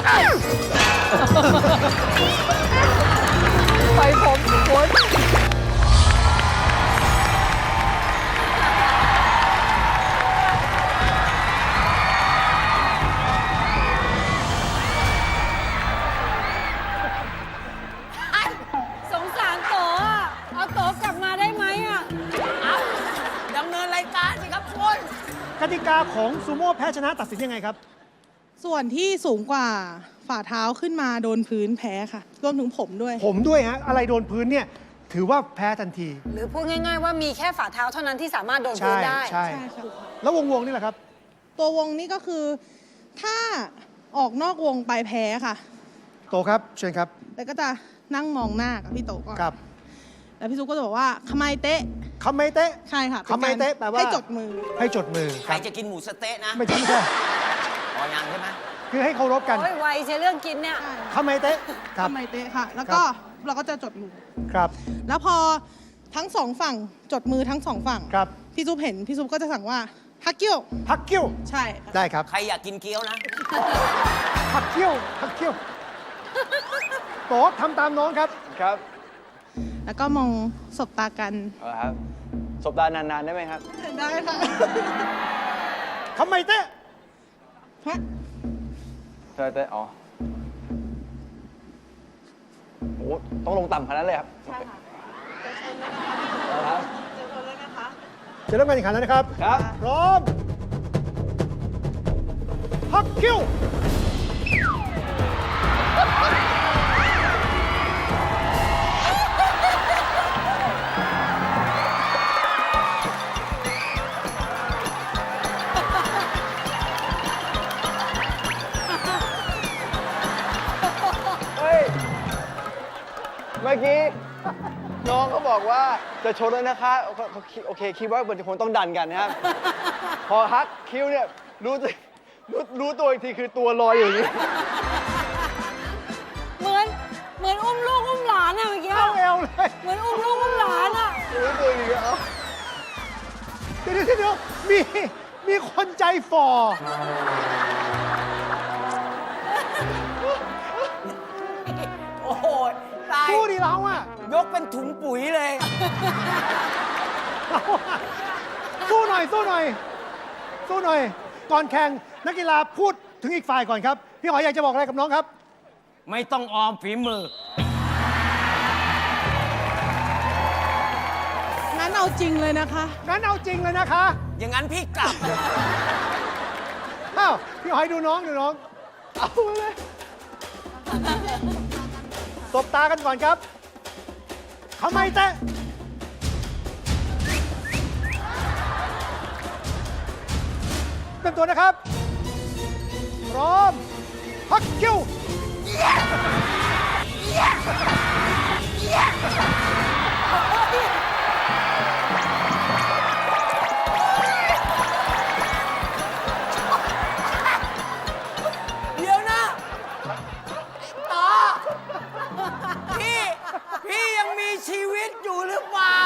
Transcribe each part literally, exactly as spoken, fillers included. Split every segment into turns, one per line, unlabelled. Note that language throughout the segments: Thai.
ไปผมโอ๊ย
สงสารโตอ่ะ เอาโตกลับมาได้ไหมอ่ะ
เอาดำเนินรายการสิครับคุณ
กติกาของซูโม่แพ้ชนะตัดสินยังไงครับ
ส่วนที่สูงกว่าฝ่าเท้าขึ้นมาโดนพื้นแพ้ค่ะ รวมถึงผมด้วย
ผมด้วยฮะ อะไรโดนพื้นเนี่ย ถือว่าแพ้ทันที
หรือพูดง่ายๆว่ามีแค่ฝ่าเท้าเท่านั้นที่สามารถโดนพื้
ใช่
นได้
ใช่
ใช่ค่ะ
แล้ววงวงนี่แหละครับ
ตัววงนี้ก็คือถ้าออกนอกวงไปแพ้ค่ะ
โตครับเชิญครับ
แล้วก็จะนั่งมองหน้ากับพี่โตก่อน
ครับ
แล้วพี่ซุปก็จะบอกว่าขมายเตะ
คำไม่เตะ
ใช่ค่ะ
ขมายเตะแปลว่า
ให้จดมือ
ให้จดมือ
ใครจะกินหมูสะเต๊ะนะ
ไม่ใช่ไม่ใช่
อ๋อยังใช่ไหม
คือให้เคารพกัน
โอ้ยไวใช่เรื่องกินเนี่ย
ใช่
คำไม่เตะครับ
ขมายเตะค่ะ แล้วก็เราก็จะจดมือ
ครับ
แล้วพอทั้งสองฝั่งจดมือทั้งสองฝั่ง
ครับ
พี่ซุปเห็นพี่ซุปก็จะสั่งว่าฮักเกี้ยว
พักเกี้ยว
ใช่ค่ะ
ได้ครับ
ใครอยากกินเกี๊ยวนะ
พักเกี้ยวพักเกี้ยวโตทำตามน้องครับ
ครับ
แล้วก็มองสบตากัน
เอาละครับสบตานานๆได้ไหมครับ
ได้ค่ะ
คำไม่เตะ
ฮะ
ใช่แต่อ๋อโอ้โหต้องลงต่ำขนาดนั้นเลยครับ ใช่ค่ะเอาละครับ
จะเริ่มการแข่งขันแล้วนะครับ
ครับ
พร้อม พักเกี้ยว
เฮ้ย เมื่อกี้ น้องเขาบอกว่าจะชนแล้วนะคะโอเคโอเค คิดว่ามันคงต้องดันกันนะครับ พอฮักคิ้วเนี่ย รู้สึกรู้รู้ตัวอีกทีคือตัวลอยอย่างนี้
เหมือนเหมือนอุ้มลูกอุ้มหลานอ่ะเมื่อกี้
เข้าเอวเลย
เหมือนอุ้มลูกอุ้มหลานอ่ะ
รู้ตัวอีกทีเอ้า
เดี๋ยวเดี๋ยวเดี๋ยวมี มีคนใจฝ่อ
โอ้โหตาย
สู้ดิเราอะ
ยกเป็นถุงปุ๋ยเลย
เราอะสู้หน่อย สู้หน่อย สู้หน่อย ก่อนแข่งนักกีฬาพูดถึงอีกฝ่ายก่อนครับ พี่หอยอยากจะบอกอะไรกับน้องครับ
ไม่ต้องออมฝีมือ
งั้นเอาจริงเลยนะคะ
งั้นเอาจริงเลยนะคะ
อย่างนั้นพี่กลับ
อ้าว พี่หอยดูน้องดูน้อง เอาเลยตบตากันก่อนครับทำไมเตะเตรียมตัวนะครับ พร้อม พักคิว
เดี๋ยวนะต่อพี่ พี่ยังมีชีวิตอยู่หรือเปล่า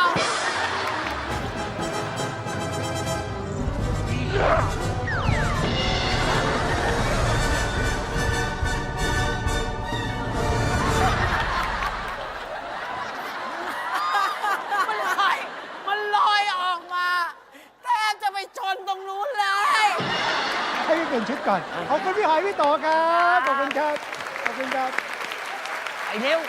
มันลอย มันลอยออกมาแทบจะไปชนตรงนู้นเลย
ให้พี่เปลี่ยนชุดก่อน ขอบคุณพี่หอยพี่โตครับ ขอบคุณครับ ขอบคุณครับ
ไอ้เร็ว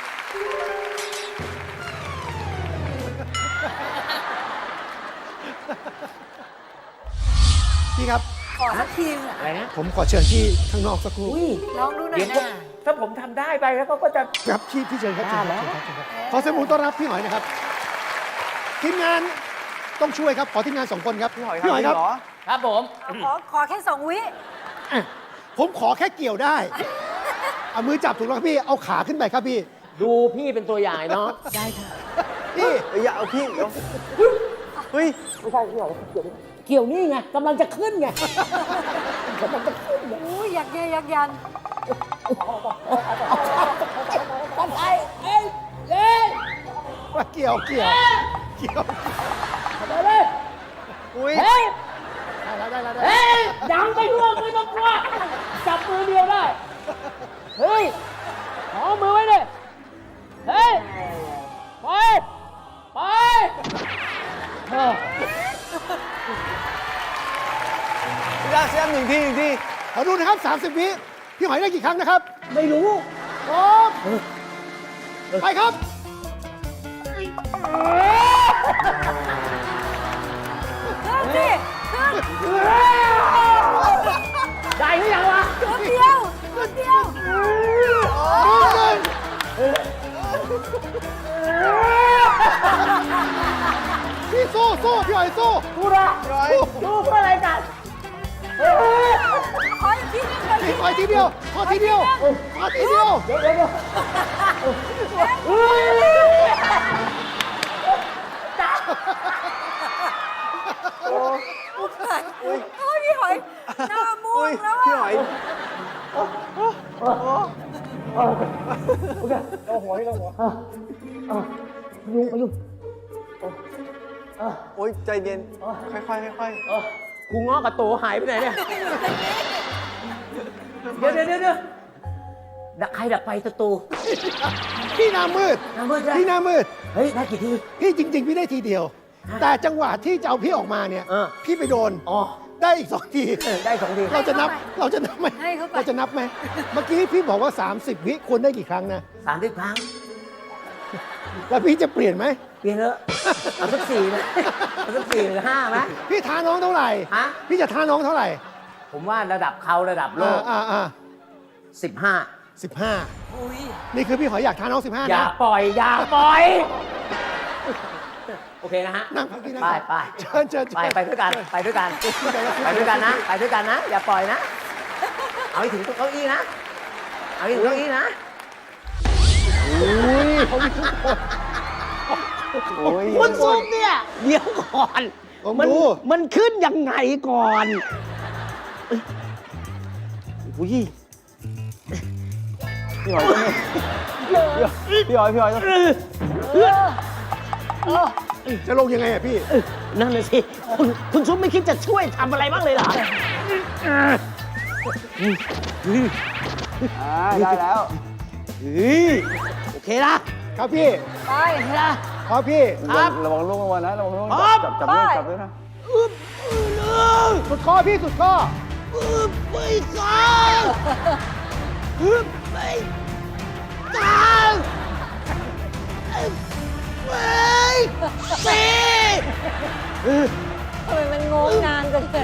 พี่ครับ
ขอสักทีอ่ะ
อะไรนะ
ผมขอเชิญที่ข้างนอกสักครู่
อุ้ย
ลองดูหน่อ
เดี๋ย
ยว
ก็
นะ
ถ้าผมทำได้ไปแล้วเขาก็จะ
ครับพี่พี่เชิญครับเชิญครับ
ได้
เชิญ
แล้ว
ครับเชิญครับขอเสียงปรบมือต้อนรับพี่หอยนะครับ ทีมงานต้องช่วยครับ ขอทีมงานสองคนครับ
พี่หอย
พี่หอยครับ
เหรอ
ครับผม
ขอขอแค่สองวิ
ผมขอแค่เกี่ยวได้ เอามือจับถูกแล้วครับพี่ เอาขาขึ้นไปครับพี่
ดูพี่เป็นตัวอย่างเนาะ
ได้ค่ะ
พี่
เอ้ยอย่าเอาพี่เดี๋ยวเฮ้ย
ไม่ใช่พี่หรอกเกี่ยวเกี่ยวนี่ไงกำลังจะขึ้นไงกำลังจะขึ้นไง
อุ้ยยักแย่ยักยัน
กันไปเอ้ยเอ้ย
ว่าเกี่ยวเกี่ยวเกี่ยว
ไปเลย
อุ้ย
เฮ้ย
ได้แล้วได้แล้วได้แล้ว
เฮ้ยดังไปด้วยไม่ต้องกลัวจับมือเดียวได้
ครับ สามสิบ วิ พี่หอยได้กี่ครั้งนะครับ
ไม่รู้
พร้อมไปครับ
ขึ้นสิขึ้น
ได้หรือยังวะ
จุดเดียวจุดเดียว
หนึ่งพี่สู้สู้พี่หอยสู้
กูนะสู้เพื่ออะไรกัน
ขออีกทีนึงขออีก
พี่
ที
หอยทีเดียวพอทีเดียวพอทีเดียว
เดี๋ยวเดี๋ยวเดี๋ยวเฮ้ย
โอ้ยพี่หอยหน้าม่วงแล้ว
พี่ห
อ่ะ
อย
เอาหัวนี่เอาหัวเอายุงเอายุง
โอ้ยใจเย็น ค่อยๆค่อย
เออกูง้อกับโตหายไปไหนเนี่ย เดี๋ยวเดี๋ยวเดี๋ยวเดี๋ยวดักใครดักไฟศัตรู
พี่หน้ามืด
หน้ามืดใช่ไหม
พี่หน้ามืด
เฮ้ย ได้กี่ที
พี่จริง ๆ พี่ได้ทีเดียว แต่จังหวะที่จะเอาพี่ออกมาเนี่ย
เออ
พี่ไปโดน
อ๋อ
ได้อีกสองที
เออได้สองที
เราจะนับ เราจะนับไหม
ให้เขาไป
เราจะนับไหม เมื่อกี้พี่บอกว่า สามสิบ วิควรได้กี่ครั้งนะ
สามสิบครั้ง
แล้วพี่จะเปลี่ยนไหม
เปลี่ยนเถอะเอาสักสี่ไหมเอาสักสี่หรือห้าไหม
พี่ท้าน้องเท่าไหร่
ฮะ
พี่จะท้าน้องเท่าไหร่
ผมว่าระดับเขาระดับโล
อ่าก อ่าอ่า
สิบห้า
สิบห้า
อุ้ย
นี่คือพี่หอยอยากท้าน้องสิบห้า
อย่า
นะ
ปล่อย อย่าปล่อย โอเคนะฮะ
นั่งพักที่นั่ง
ไปไป
เชิญเชิญ
ไปไปด้วยกัน ไปด้วยกัน ไปด้วยกันนะ ไปด้วยกันนะ อย่าปล่อยนะ เอาให้ถึงเก้าอี้นะ เอาให้ถึงเก้าอี้นะ
อุ้ยเขามีทุกคน
ๆ โอ้ย
คุณซุปเนี่ย เดี๋ยวก่อน
ผม
มัน
รู้
มันขึ้นยังไงก่อนอุ้ย
พี่หอยต้องพี่หอยพี่หอยต้อง
จะลงยังไงอะพี่
นั่นน่ะสิ คุณคุณซุปไม่คิดจะช่วยทำอะไรบ้างเลยเหรอ
อ่าได้แล้ว
เฮ้ยโอเคนะ
ครับพี่
ไป
โอเคนะครับ
พี่
ครับ
ระวังลูกระวังนะระวังลูก
ครับ
จับจับด้วย
ไป
จับด้วยนะ
อึ๊บอึ๊บอึ๊บ
สุดข้อพี่สุดข้อ
อึ๊บไม่กลางอึ๊บไม่กลางอึ๊บไม่สี่
ทำไมมันงงนานจังเลย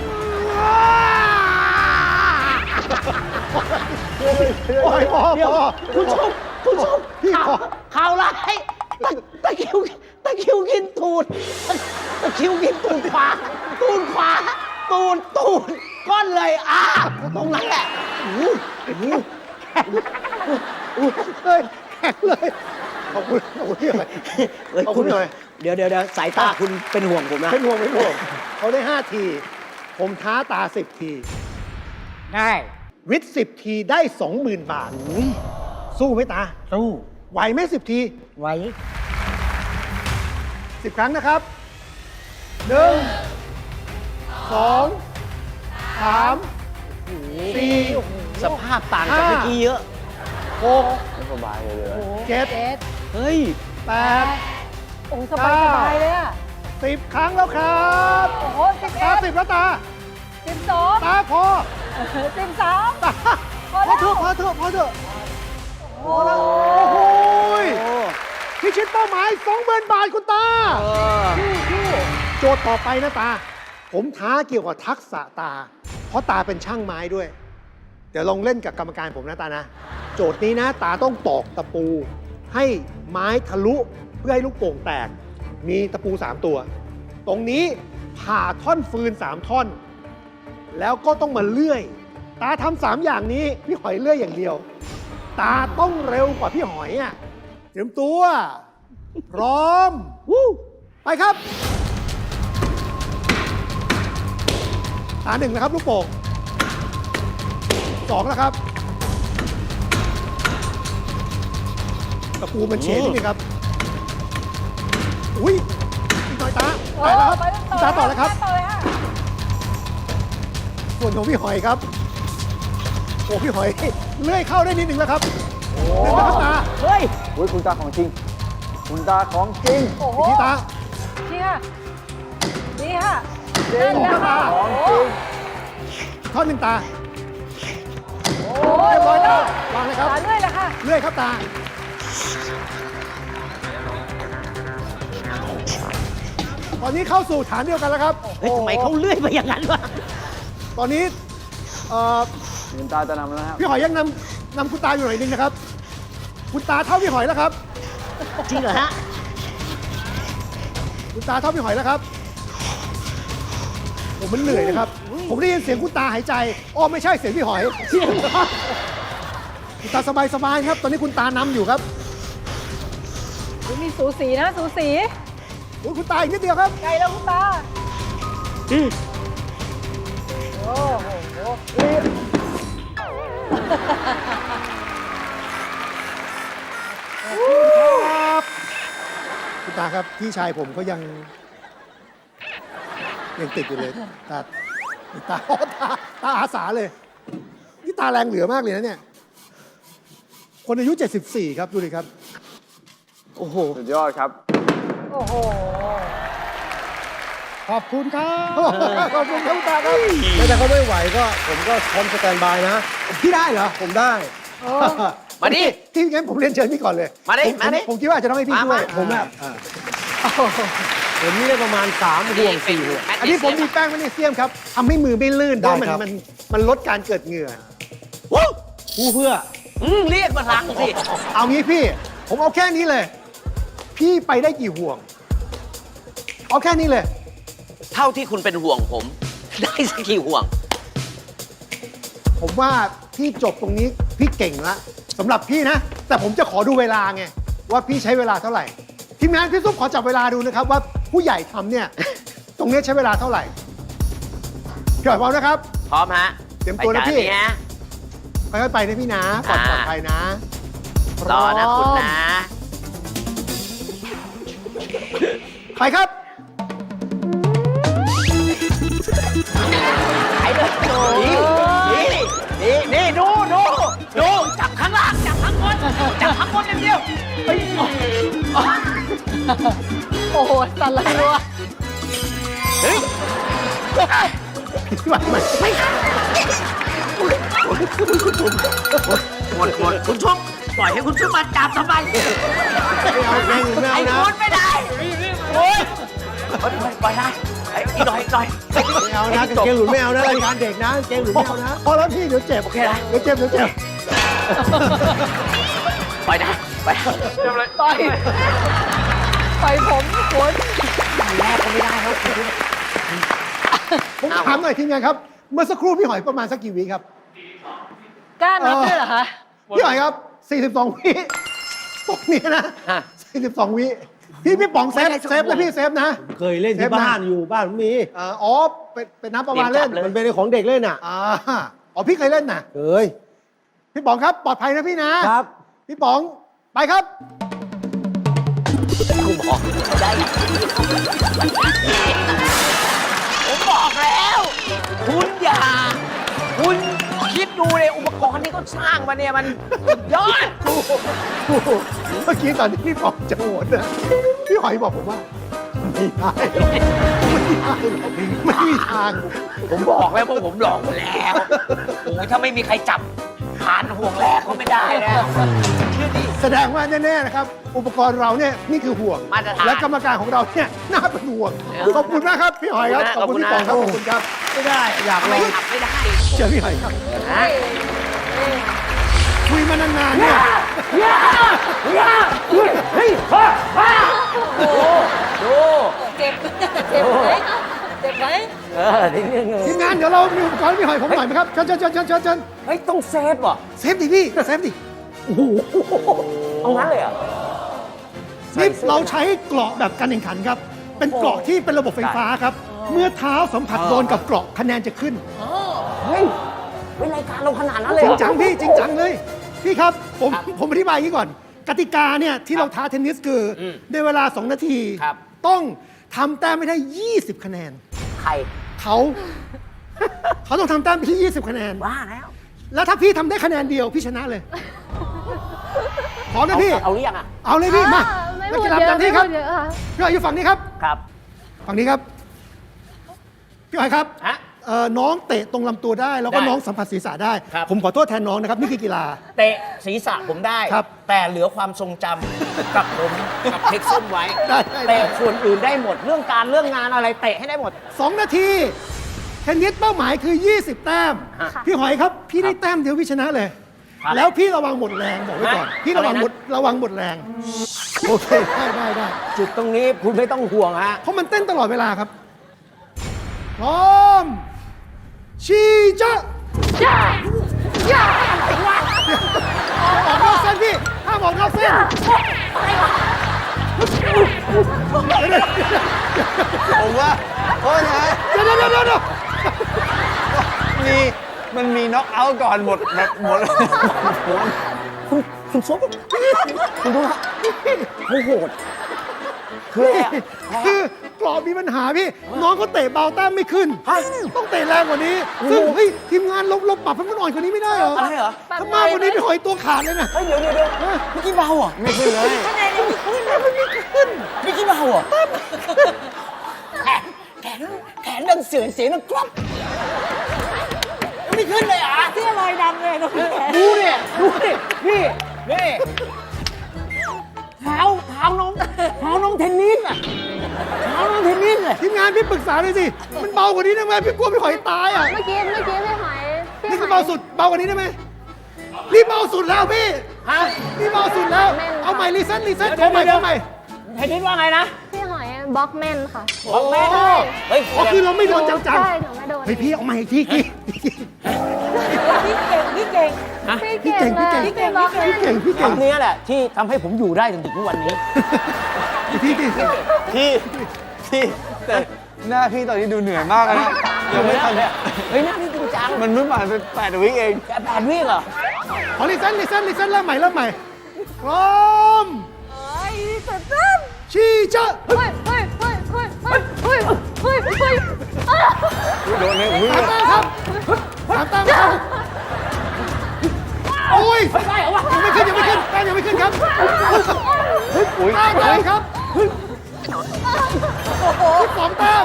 โอ้ยพอ
เดี๋ยว
พอ
คุณชมคุณชม
พี่
ข่าว
ขอ
ข่าวร้ายตะตะคริวตะคริวกินตูดตะตะคริวกินตูดขวาตูดขวาตูดตูดก้อนเลยอ่ะตรงนั้นแหละอู้หูแข็งอู้
เฮ้ยแข็งเลย ขอบคุณขอบคุณพี่หน่อย
เฮ้ย
ขอบคุณหน่อย
เดี๋ยวเดี๋ยวเดี๋ยวสายตาคุณเป็นห่วงผมนะ
เป็นห่วงเป็นห่วงเขาได้ห้าที ผมท้าตาสิบที
ได้
วิทย์สิบทีได้สองหมื่นบาท สู้ไหมตา
สู้
ไหวไหมสิบที
ไว้
สิบครั้งนะครับหนึ่งสองสามสี่
สภาพต่างจากเมื่อกี้เยอะ
หก
ไม่สบายเลยเลย
เจ็ด
เจ็ด
เฮ้ย
แปด
โอ้สบายสบายเลยอ่ะ
สิบครั้งแล้วครับ
โอ้โหสิบ
ตา
เอ็ด
สิบแล้วตา
สิบสอง
ตาพอ
สิบสาม
ตา
พอ
พ
แล้
อ
ว
เถอะพอเถอะพอเถอะ
โอ้
โอ้โหยพิชิตเป้าหมายสองหมื่นบาทคุณตา
เออ
โจทย์ต่อไปนะตา ผมท้าเกี่ยวกับทักษะตา เพราะตาเป็นช่างไม้ด้วย เดี๋ยวลองเล่นกับกรรมการผมนะตานะ โจทย์นี้นะ ตาต้องตอกตะปู ให้ไม้ทะลุเพื่อให้ลูกโป่งแตก มีตะปูสามตัว ตรงนี้ผ่าท่อนฟืนสามท่อน แล้วก็ต้องมาเลื่อย ตาทำสามอย่างนี้ พี่หอยเลื่อยอย่างเดียว ตาต้องเร็วกว่าพี่หอยอ่ะเตรียมตัว พร้อม
วู้
ไปครับ ตาหนึ่งนะครับ ลูกโป่งสองแล้วครับ ตะปูมันเชนนิดนึงครับ อุ้ยอีกหน่อยตาไปแล้วครับตาต่อแล้วครับ
ต่อเลยฮะ
ส่วนของพี่หอยครับ โอ้พี่หอยเลื่อยเข้าได้นิดนึงแล้วครับหนึ่งแล้วครับตา
เฮ้ย
โอ้ยคุณตาของจริง คุณตาของจริง
โอ้โห
อีกทีตา
นี่ค่ะนี่ค่ะ
จริง
นั่นนะคะ
ของ
โอ้
จริง
ท่อนหนึ่งตาครับ
ตาเลื่อยเลยค่ะ
เลื่อยครับตา ตอนนี้เข้าสู่ฐานเดียวกันแล้วครับ
เฮ้ยทำไมเขาเลื่อยไปอย่างนั้นวะ
ตอนนี้เอ่อ
คุณตาจะนำแล้วนะครับ
พี่หอยยังนำนำคุณตาอยู่หน่อยนึงนะครับ คุณตาเท่าพี่หอยแล้วครับ
จริงเหรอฮะ
คุณตาเท่าพี่หอยแล้วครับผมมันเหนื่อยนะครับ ผมได้ยินเสียงคุณตาหายใจอ้อไม่ใช่เสียงพี่หอย
เสียง
คุณตาสบายๆครับ ตอนนี้คุณตานำอยู่ครับ
มีสูสีนะ สูสี
โอ้ยคุณตาอีกนิดเดียวครับ
ไกลแล้วคุณตา
อืม
โอ้โห
ครับคุณตาครับพี่ชายผมเขายังยังติดอยู่เลยตาตาโอ้ตาตาอาสาเลยนี่ตาแรงเหลือมากเลยนะเนี่ย คนอายุ เจ็ดสิบสี่ ครับ ดูดิครับ
โอ้โห
สุดยอดครับ
โอ้โห
ขอบคุณครับ ขอบคุณครับคุณตาครับ
แต่เขาไม่ไหวก็ผมก็พร้อมสแตนบายนะ
พี่ได้เหรอ
ผมได้
มาดิ
ที่งั้นผมเรียนเชิญพี่ก่อนเลย
มาดิ
ผ
มาดิ
ผมคิดว่าอาจจะต้องให้พี่
มา
ด้วย
มา
ผมแบบ
ผมนี่ได้ประมาณสามห่วงสี่ห่วง
อันนี้ผมมีแป้งแมกนีเซียมครับทำให้มือไม่ลื่น
ได้
เพราะมัน
ครับ
มันมันลดการเกิดเหงื่อ
วู้
ผู้เพื่อ
อืมเรียกมาลังสิ
เอางี้พี่ ผมเอาแค่นี้เลย พี่ไปได้กี่ห่วง เอาแค่นี้เลย
เท่าที่คุณเป็นห่วงผม ได้สักกี่ห่วง
ผมว่าพี่จบตรงนี้พี่เก่งละสำหรับพี่นะ แต่ผมจะขอดูเวลาไง ว่าพี่ใช้เวลาเท่าไหร่ ทีมงานพี่ซุปขอจับเวลาดูนะครับ ว่าผู้ใหญ่ทำเนี่ย ตรงนี้ใช้เวลาเท่าไหร่พี่หอยพร้อมนะครับ
พร้อมฮะ
เตรียมตัวนะพี่
ไปจาฮะ
ค่อยๆไปนะพี่นะปลอด
อ่า
ปลอดภัยนะ
รอนะคุณนะ
ไปครับ
ไปเลยนี่นี่นี่ดูดูดูจับข้างล่างจับข้างบนจับข้างบนอย่างเดียวเฮ้ย
โอ้โห สั่นเลยรัว
เฮ้ย
พี่หอยมาไม่
หมดหมดคุณชุบปล่อยให้คุณชุบมาจับทำไม
ไม่เอาแรงไม่
ไอ้
เอานะ
คุณไม่ได้โอ้ยปล่อยได้ไอ้อีกหน่อยอีกหน่อย
ไม่เอานะกางเกงหลุดไม่เอานะรายการเด็กนะกางเกงหลุดไม่เอานะ
พอแล้วพี่เดี๋ยวเจ็บ
โอเคนะ
เดี๋ยวเจ็บเดี๋ยวเจ็บ
ปล่อยได้ไป
ต่อย ต่อยผมโขน
แรกก็ไม่ได้แล้วคุณ
ผมถามหน่อยทีมงานครับ เมื่อสักครู่พี่หอยประมาณสักกี่วิครับ
กล้านับด้วยเหรอคะ
พี่หอยครับ สี่สิบสอง วิตรงนี้นะ สี่สิบสอง วิ พี่พี่ป๋องเซฟเซฟนะพี่เซฟนะ
เคยเล่นที่บ้านอยู่บ้านผมมี
เอ่ออ๋อเป็นเป็นน้ำประมาณเล่น
มันเป็นของเด็กเล่นอ่ะ
อ่าอ๋อพี่เคยเล่นน่ะ
เคย
พี่ป๋องครับปลอดภัยนะพี่นะครับ พี่ป๋องไปครับ
กูบอกได้ผมบอกแล้ว คุณอย่า คุณคิดดูเลยอุปกรณ์ที่เขาสร้างมาเนี่ยมันสุดยอด
เมื่อกี้ตอนที่พี่ป๋องจะโหวตนะพี่หอยบอกผมว่าไม่ได้ไม่ได้ไม่มีทาง
ผมบอกแล้วพวกผมหลอกหมดแล้วโอ้ยถ้าไม่มีใครจับผ่านห่วงแรกก็ไม่ได้นะเชื่อดิ
แสดงว่าแน่ๆนะครับ อุปกรณ์เราเนี่ยนี่คือห่วง
มาตรฐาน
และกรรมการของเราเนี่ยน่าเป็นห่วง
เออ
ขอบคุณมากครับพี่หอยครับ
ขอบคุณ
พี่
นะ
ป๋องครับ
ข
ข
อ
อ
บบ คุ
คุณ ณครับ
ไม่ได้ อยากล
ไม่
อง
ขับไม่ได้
เชิญพี่หอยครับ
ฮะ
คุยมานานๆเนี่ย
ดูดู
เจ็บ เจ็บไหมเจ็บไหม
เออทีนี้
ทีมงานเดี๋ยวเรามีอุปกรณ์ให้พี่หอยผมหน่อยไหมครับเชิญเชิญเชิญเชิญเชิญเชิญ
เฮ้ยต้องเซฟว่ะ
เซฟดิพี่เซฟดิ
เอางั้นเลยเหรอ่ะ
นี่เราใช้เกราะแบบการแข่งขันครับ เป็นเกราะที่เป็นระบบไฟฟ้าครับ เมื่อเท้าสัมผัสโดนกับเกราะคะแนนจะขึ้น
เฮ้ยเป็นรายการเราขนาดนั้นเลย
จ
เห
ริ
รง อ
จังพี่จริงจังเลย พี่ครับผมผมอธิบายอย่างนี้ก่อน กติกาเนี่ยที่เราท้าเทนนิสคืออ
ม
ในเวลา สอง นาที
ครับ
ต้องทำแต้มไม่ได้ ยี่สิบ คะแนน
ใคร
เขา เขาต้องทำแต้มไปที่ ยี่สิบ คะแนน
ว่าแล้ว
แล้วถ้าพี่ทำได้คะแนนเดียว พี่ชนะเลยพร้อมนะพี่
เอาหรือยังอ่ะ
เอาเลยพี่ มา
ไม่
นัก
พูด
กีฬา
เย
ประ
อะ
จำ
ไม่
ที่ค
พู
รับ
ดเยอะค่ะ
พี่หอยอยู่ฝั่งนี้ครับ
ครับ
ฝั่งนี้ครับ พี่หอยครับ
ฮะ
เอ่อน้องเตะตรงลำตัวได้ แล้วก็
ได้
น้องสัมผัสศีรษะได้
ครับ
ผมขอโทษแทนน้องนะครับ นี่คือกีฬา
เตะศีรษะผมได้
ครับ
แต่เหลือความทรงจำ กับผมกับเท็กซ์ส้มไว้
ได้ได้ได้
เตะส่วนอื่นได้หมด เรื่องการเรื่องงานอะไรเตะให้ได้หมด
สองนาทีเทนนิสเป้าหมายคือ ยี่สิบ แต้ม
ค่ะ
พี่หอยครับ พี่ได้แต้มเดียวพี่ชนะเลย
ครับ
แล้วพี่ระวังหมดแรงบอกไว้ก่อน
ฮะ
พี่ระวัง
อะไรนะ
หมดระวังหมดแรง โอเค ได้ได้ได้
จุดตรงนี้คุณไม่ต้องห่วงฮะ
เพราะมันเต้นตลอดเวลาครับ พร้อม ชีจะย่าย่าอะไรวะออกนอกเส้นพี่ห้ามออกนอกเส้น
ผมว่าโทษนะ
เดี๋ยวเดี๋ยวเดี๋ยวเดี๋ยว
มีมันมีน็อกเอาท์ก่อนหมดแบบหมด
คุณคุณซุปคุณดูฮะเขาโหดคืออะไรอะแพ้
คือกรอบมีปัญหาพี่ น้องเขาเตะเบาแต้มไม่ขึ้น
ฮะ
ต้องเตะแรงกว่านี้ ซึ่งเฮ้ยทีมงานเราเราปรับให้มันอ่อนกว่านี้ไม่ได้เหรอ
อะไรเหรอ
ถ้ามากกว่านี้พี่หอยตัวขาดเลยนะ
เฮ้ยเดี๋ยวเดี๋ยวเดี๋ยวเมื่อกี้เบาเหรอ่ะ
ไม่ขึ้นเลย
คะแนนยังไม่ขึ้นเลย
เมื่อกี้เบาเหรอ่ะแขนแขนแขนดังเสือเสียงดังกรอบยังไม่ขึ้นเลยเหรอ่ะ
เสื้อลอยดำเลยนะพี่แขก
ดูเนี่ยดูดินี่นี่เท้าเท้าน้องเท้าน้องเทนนิสอ่ะเท้าน้องเทนนิสอ่ะ
ทีมงานพี่ปรึกษาเลยสิ มันเบากว่านี้ได้ไหมพี่กลัวพี่หอยตายอ่ะ
เมื่อกี้เมื่อกี้พี่หอยพี่
นี่
ห
คือ อย เบาสุด เบากว่านี้ได้ไหมนี่เบาสุดแล้วพี่
ฮะ
นี่เบาสุดแล้ว เอาใหม่รีเซ็ตรีเซ็ตขอใหม่ขอใหม่
เทนนิสว่าไงนะ
พี่หอยบล็อกแมนค่ะ
บอกแม่เฮ้ย
อ๋อคือเราไม่โดนจัง
ใช่หนูไม่โดน
ๆเฮ้ยพี่เอาใหม่อีกทีพี่
พี่เก่งพี่เก่ง
พี่เก่งเลย
พี่เก่ง
บล็อกแมน
พี่เก่งพี่
ค
เก่ง
ำนี้แหละที่ทำให้ผมอยู่ได้จนถึงทุกวันนี้
พี่พี่
พี่พี่แต่หน้าพี่ตอนนี้ดูเหนื่อยมากเลยนะยังไม่ทัน
เฮ้ยหน้านี่จริงจัง
มันเพิ่งผ่านไปแปดวิเอง
แกแปดวิเหรอ
ขอรีเซ็ตรีเซ็ตรีเซ็ตเริ่มใหม่เริ่มใหม่พร้อม
เฮ้ยสุดตั้ม
ชี้จะ
เฮ้ยเฮ้ยเฮ้ยเฮ้ยเฮ้ยเฮ้ยเฮ้ยเฮ้ยอ้าว
โดนเลยอุ้ย
สามแต้มครับสามแต้มครับโอ้ย
ไม่ได้เหรอวะ
ยังไม่ขึ้นยังไม่ขึ้นแต้มยังไม่ขึ้นครับ
อุ้ย
เก้าแต้มครับสิบสองแต้ม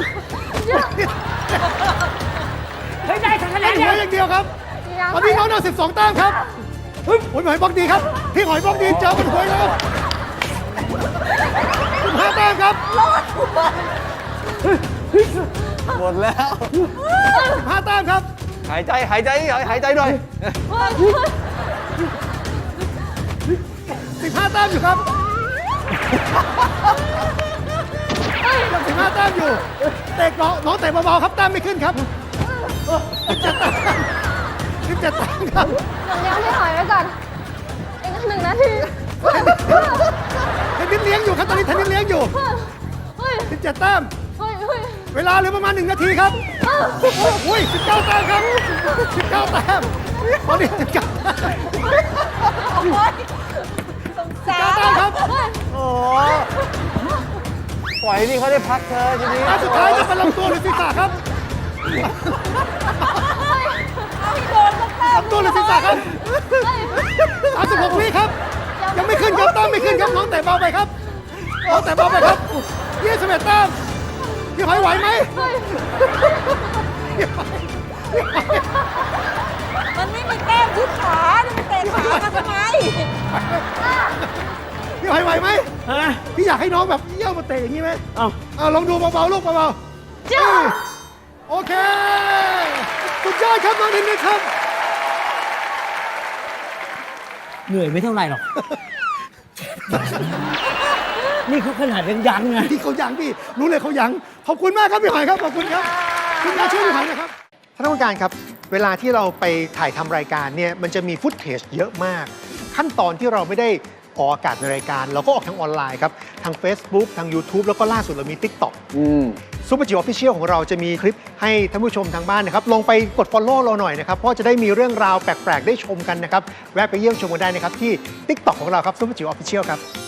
เฮ้ยได้คะแน
เห
น
ลื
เดีย
อ
ว
อย่างเดียวครับ
ยัง
ตอนนี้น้องนำสิบสองแต้มครับโอ้ยพี่หอยบล็อกดีครับ พี่หอยบล็อกดีเจอกันหวยแล้วสิบห้าแต้มครับ
หมดแล้ว
สิบห้าแต้มครับ
หายใจหายใจหายใจหน่อย
สิบห้าแต้มอยู่ครับยังสิบห้าแต้มอยู่เตะน้องน้องเตะเบาๆครับแต้มไม่ขึ้นครับสิบเจ็ดแต้มครับ
หนูเลี้ยงพี่หอยไว้ก่อนอีกหนึ่งนาที
เทนนิสเลี้ยงอยู่ครับตอนนี้เทนนิสเลี้ยงอยู่
เฮ้ย
สิบเจ็ดแต้ม
เฮ้ยเฮ้ย
เวลาเหลือประมาณหนึ่งนาทีครับอุ้ยสิบเก้าแต้มครับสิบเก้าแต้มตอนนี้สิบเก้าแต้ม
สา
เก้าม แต้มครับ
โอ้ปล่อยนี่เขาได้พักเธอทีนี้
อันสุดท้ายจะเป็นลำตัวหรือศีรษะครับ
เอาให้โดนสักแต้ม
ลำตัวหรือศีรษะครับสามสิบหกวิครับ ยังไม่ขึ้นครับแต้มไม่ขึ้นครับน้องแต่เบาไปครับน้องแต่เบาไปครับยี่สิบเอ็ดแต้มพี่หอยไหวไหม
มันไม่มีแต้มที่ขาจะไปเตะขามาทำไม
พี่หอยไหวไหม
ฮะ
พี่อยากให้น้องแบบเยี่ยวมาเตะอย่างนี้ไหม
เอ้า
เอาลองดูเบาๆลูกเบาๆจ้าโอเคสุดยอดครับน้องเทนนิสครับ
เหนื่อยไม่เท่าไหร่หรอก นี่เขาขนาดยังยังไง
ที่เขายังพี่รู้เลยเขายังขอบคุณมากครับพี่หอยครับขอบคุณครับคุณมาช่วยพี่หอยนะครับท่านผู้การครับเวลาที่เราไปถ่ายทำรายการเนี่ยมันจะมีฟุตเทจเยอะมาก ขั้นตอนที่เราไม่ได้ออกอากาศในรายการ เราก็ออกทางออนไลน์ครับทาง Facebook ทาง YouTube แล้วก็ล่าสุดเรามี TikTok ซูเปอร์จิ๋วออฟฟิเชียลของเราจะมีคลิปให้ท่านผู้ชมทางบ้านนะครับลองไปกด Follow เราหน่อยนะครับเพราะจะได้มีเรื่องราวแปลกๆได้ชมกันนะครับแวะไปเยี่ยมชมกันได้นะครับที่ TikTok ของเราครับซูเปอร์จิ๋วออฟฟิเชียลครับ